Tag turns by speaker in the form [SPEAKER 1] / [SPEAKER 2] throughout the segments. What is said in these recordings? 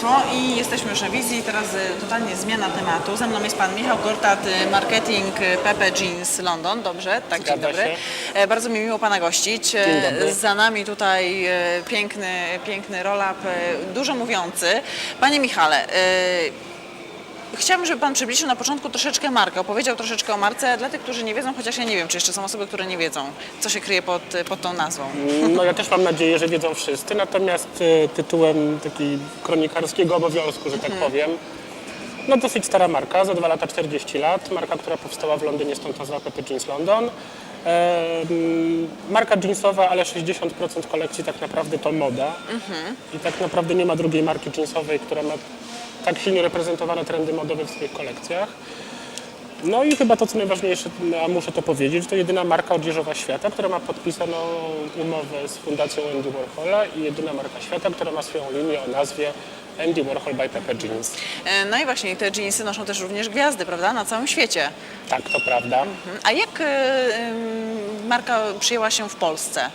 [SPEAKER 1] Państwo i jesteśmy już na wizji. Teraz totalnie zmiana tematu. Ze mną jest Pan Michał Gortat, marketing Pepe Jeans London. Dobrze? Tak, dzień dobry. Bardzo mi miło Pana gościć.
[SPEAKER 2] Dzień dobry.
[SPEAKER 1] Za nami tutaj piękny roll-up, dużo mówiący. Panie Michale, chciałabym, żeby Pan przybliżył na początku troszeczkę markę, opowiedział troszeczkę o marce dla tych, którzy nie wiedzą, chociaż ja nie wiem, czy jeszcze są osoby, które nie wiedzą, co się kryje pod tą nazwą.
[SPEAKER 2] No ja też mam nadzieję, że wiedzą wszyscy, natomiast tytułem takiego kronikarskiego obowiązku, że tak powiem, no dosyć stara marka, za 2 lata 40 lat, marka, która powstała w Londynie, stąd nazwa Pepe Jeans London. Marka jeansowa, ale 60% kolekcji tak naprawdę to moda i tak naprawdę nie ma drugiej marki jeansowej, która ma tak silnie reprezentowane trendy modowe w swoich kolekcjach. No i chyba to, co najważniejsze, a muszę to powiedzieć, to jedyna marka odzieżowa świata, która ma podpisaną umowę z Fundacją Andy Warhola i jedyna marka świata, która ma swoją linię o nazwie Andy Warhol by Pepe Jeans.
[SPEAKER 1] No i właśnie te jeansy noszą też również gwiazdy, prawda, na całym świecie.
[SPEAKER 2] Tak, to prawda.
[SPEAKER 1] A jak marka przyjęła się w Polsce?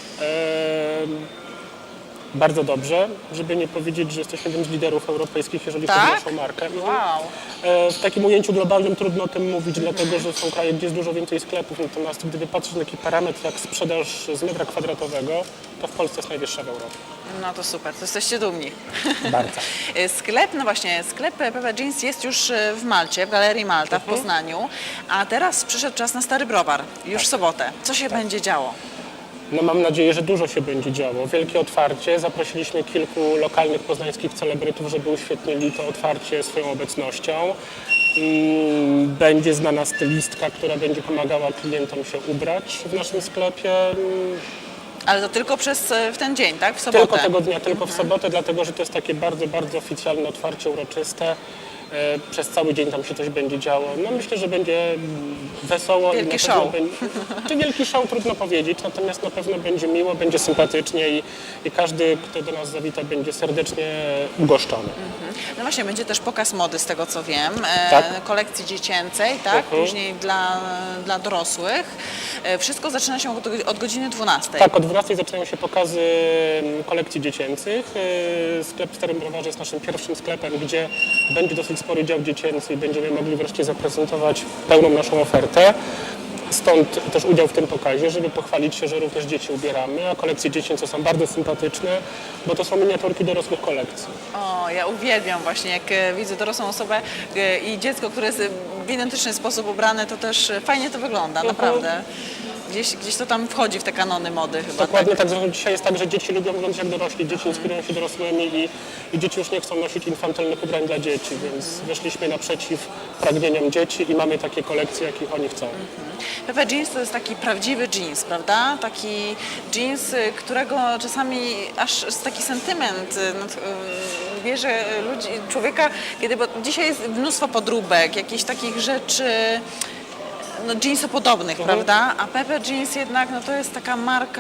[SPEAKER 2] Bardzo dobrze, żeby nie powiedzieć, że jesteśmy jednym z liderów europejskich, jeżeli chodzi o naszą markę.
[SPEAKER 1] Wow.
[SPEAKER 2] W takim ujęciu globalnym trudno o tym mówić, dlatego że są kraje, gdzie jest dużo więcej sklepów, natomiast gdyby patrzeć na taki parametr jak sprzedaż z metra kwadratowego, to w Polsce jest najwyższa w Europie.
[SPEAKER 1] No to super, to jesteście dumni.
[SPEAKER 2] Bardzo.
[SPEAKER 1] Sklep, no właśnie, sklep Pepe Jeans jest już w Malcie, w Galerii Malta w Poznaniu, a teraz przyszedł czas na Stary Browar, już w sobotę. Co się będzie działo?
[SPEAKER 2] No mam nadzieję, że dużo się będzie działo. Wielkie otwarcie. Zaprosiliśmy kilku lokalnych poznańskich celebrytów, żeby uświetnili to otwarcie swoją obecnością. Będzie znana stylistka, która będzie pomagała klientom się ubrać w naszym sklepie.
[SPEAKER 1] Ale to tylko w ten dzień, tak? W sobotę?
[SPEAKER 2] Tylko tego dnia, tylko w sobotę, dlatego że to jest takie bardzo, bardzo oficjalne otwarcie, uroczyste. Przez cały dzień tam się coś będzie działo. No myślę, że będzie wesoło.
[SPEAKER 1] Wielki show.
[SPEAKER 2] Czy wielki show, trudno powiedzieć, natomiast na pewno będzie miło, będzie sympatycznie i każdy, kto do nas zawita, będzie serdecznie ugoszczony.
[SPEAKER 1] No właśnie, będzie też pokaz mody, z tego co wiem,
[SPEAKER 2] Tak.
[SPEAKER 1] kolekcji dziecięcej, tak? Później dla dorosłych. Wszystko zaczyna się od godziny 12.
[SPEAKER 2] Tak, o 12 zaczynają się pokazy kolekcji dziecięcych. Sklep w Starym Browarze jest naszym pierwszym sklepem, gdzie będzie dosyć spory dział dziecięcy i będziemy mogli wreszcie zaprezentować pełną naszą ofertę. Stąd też udział w tym pokazie, żeby pochwalić się, że również dzieci ubieramy, a kolekcje dziecięce są bardzo sympatyczne, bo to są miniaturki dorosłych kolekcji.
[SPEAKER 1] O, ja uwielbiam właśnie, jak widzę dorosłą osobę i dziecko, które jest w identyczny sposób ubrane, to też fajnie to wygląda, naprawdę. Gdzieś to tam wchodzi w te kanony mody chyba.
[SPEAKER 2] Dokładnie tak, zresztą dzisiaj jest tak, że dzieci lubią wyglądać jak dorośli, dzieci inspirują się dorosłymi i dzieci już nie chcą nosić infantylnych ubrań dla dzieci, więc wyszliśmy naprzeciw pragnieniom dzieci i mamy takie kolekcje, jakich oni chcą.
[SPEAKER 1] Pepe Jeans to jest taki prawdziwy jeans, prawda? Taki jeans, którego czasami aż taki sentyment bierze człowieka, bo dzisiaj jest mnóstwo podróbek, jakichś takich rzeczy jeansopodobnych, prawda? A Pepe Jeans jednak to jest taka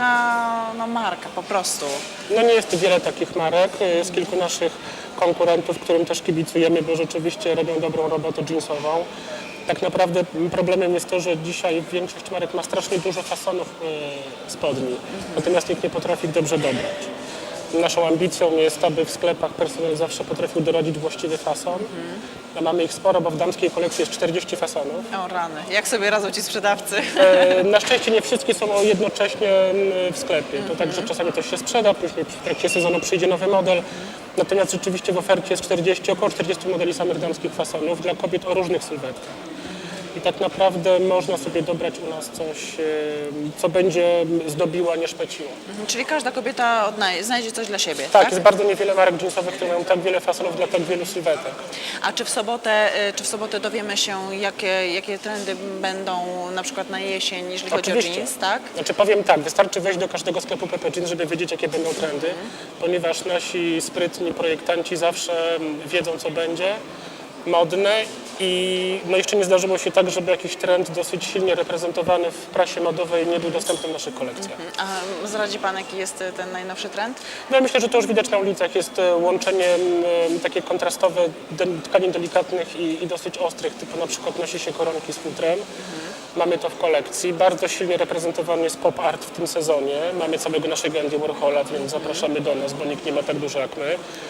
[SPEAKER 1] marka po prostu.
[SPEAKER 2] No nie jest wiele takich marek, jest kilku naszych konkurentów, którym też kibicujemy, bo rzeczywiście robią dobrą robotę jeansową. Tak naprawdę problemem jest to, że dzisiaj większość marek ma strasznie dużo fasonów spodni, natomiast nikt nie potrafi ich dobrze dobrać. Naszą ambicją jest, aby w sklepach personel zawsze potrafił doradzić właściwy fason. A mamy ich sporo, bo w damskiej kolekcji jest 40 fasonów.
[SPEAKER 1] O rany, jak sobie radzą ci sprzedawcy?
[SPEAKER 2] Na szczęście nie wszystkie są jednocześnie w sklepie. To tak, że czasami coś się sprzeda, później w trakcie sezonu przyjdzie nowy model. Natomiast rzeczywiście w ofercie jest około 40 modeli samych damskich fasonów dla kobiet o różnych sylwetkach. I tak naprawdę można sobie dobrać u nas coś, co będzie zdobiło, a nie szpeciło.
[SPEAKER 1] Czyli każda kobieta znajdzie coś dla siebie,
[SPEAKER 2] Tak, jest bardzo niewiele marek jeansowych, które mają tak wiele fasonów dla tak wielu sylwetek.
[SPEAKER 1] A czy w sobotę dowiemy się, jakie trendy będą na przykład na jesień, jeżeli chodzi o jeans, tak?
[SPEAKER 2] Znaczy powiem tak, wystarczy wejść do każdego sklepu Pepe Jeans, żeby wiedzieć, jakie będą trendy, ponieważ nasi sprytni projektanci zawsze wiedzą, co będzie modne i jeszcze nie zdarzyło się tak, żeby jakiś trend dosyć silnie reprezentowany w prasie modowej nie był dostępny w naszych kolekcjach.
[SPEAKER 1] A zdradzi Pan, jaki jest ten najnowszy trend?
[SPEAKER 2] No ja myślę, że to już widać na ulicach. Jest łączenie takie kontrastowe tkanin delikatnych i dosyć ostrych, typu na przykład nosi się koronki z futrem. Mamy to w kolekcji. Bardzo silnie reprezentowany jest pop art w tym sezonie. Mamy całego naszego Andy Warhola, więc zapraszamy do nas, bo nikt nie ma tak dużo jak my.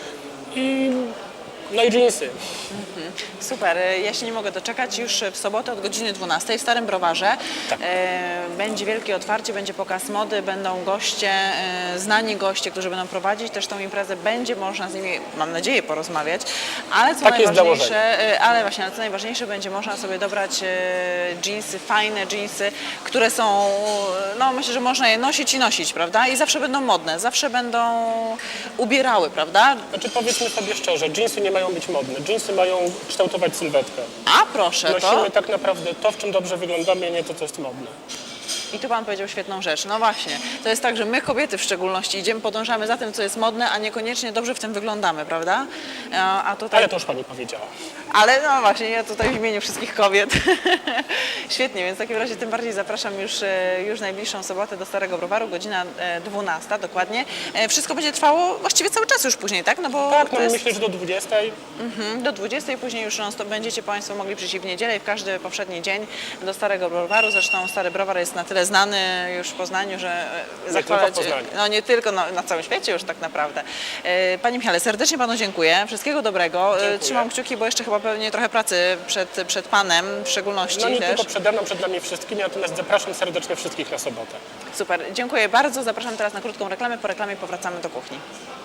[SPEAKER 2] No i dżinsy.
[SPEAKER 1] Super, ja się nie mogę doczekać. Już w sobotę od godziny 12 w Starym Browarze
[SPEAKER 2] Tak.
[SPEAKER 1] będzie wielkie otwarcie, będzie pokaz mody, będą goście, znani goście, którzy będą prowadzić też tą imprezę. Będzie można z nimi, mam nadzieję, porozmawiać, ale co
[SPEAKER 2] Takie jest
[SPEAKER 1] najważniejsze, ale właśnie, ale co najważniejsze, będzie można sobie dobrać dżinsy, fajne dżinsy, które są, no myślę, że można je nosić i nosić, prawda? I zawsze będą modne, zawsze będą ubierały, prawda?
[SPEAKER 2] Znaczy powiedzmy sobie szczerze, dżinsy nie mają być modne. Dżinsy mają kształtować sylwetkę.
[SPEAKER 1] A proszę, to...
[SPEAKER 2] Nosimy tak naprawdę to, w czym dobrze wyglądamy, a nie to, co jest modne.
[SPEAKER 1] I tu Pan powiedział świetną rzecz. No właśnie, to jest tak, że my kobiety w szczególności idziemy, podążamy za tym, co jest modne, a niekoniecznie dobrze w tym wyglądamy, prawda? A tutaj...
[SPEAKER 2] Ale to już Pani powiedziała.
[SPEAKER 1] Ale no właśnie, ja tutaj w imieniu wszystkich kobiet. Świetnie, więc w takim razie tym bardziej zapraszam już najbliższą sobotę do Starego Browaru, godzina 12 dokładnie. Wszystko będzie trwało właściwie cały czas już później, tak? No bo
[SPEAKER 2] Tak,
[SPEAKER 1] to
[SPEAKER 2] no
[SPEAKER 1] jest...
[SPEAKER 2] myślę, że do 20.
[SPEAKER 1] Do 20 później już będziecie Państwo mogli przyjść w niedzielę i w każdy poprzedni dzień do Starego Browaru. Zresztą Stary Browar jest na tyle znany już w Poznaniu, że
[SPEAKER 2] tylko w Poznaniu.
[SPEAKER 1] no nie tylko, no, na całym świecie już tak naprawdę. Panie Michale, serdecznie Panu dziękuję. Wszystkiego dobrego.
[SPEAKER 2] Dziękuję.
[SPEAKER 1] Trzymam kciuki, bo jeszcze chyba pewnie trochę pracy przed Panem w szczególności
[SPEAKER 2] No nie
[SPEAKER 1] też.
[SPEAKER 2] tylko przede mną, przed nami wszystkimi, natomiast zapraszam serdecznie wszystkich na sobotę.
[SPEAKER 1] Super, dziękuję bardzo. Zapraszam teraz na krótką reklamę. Po reklamie powracamy do kuchni.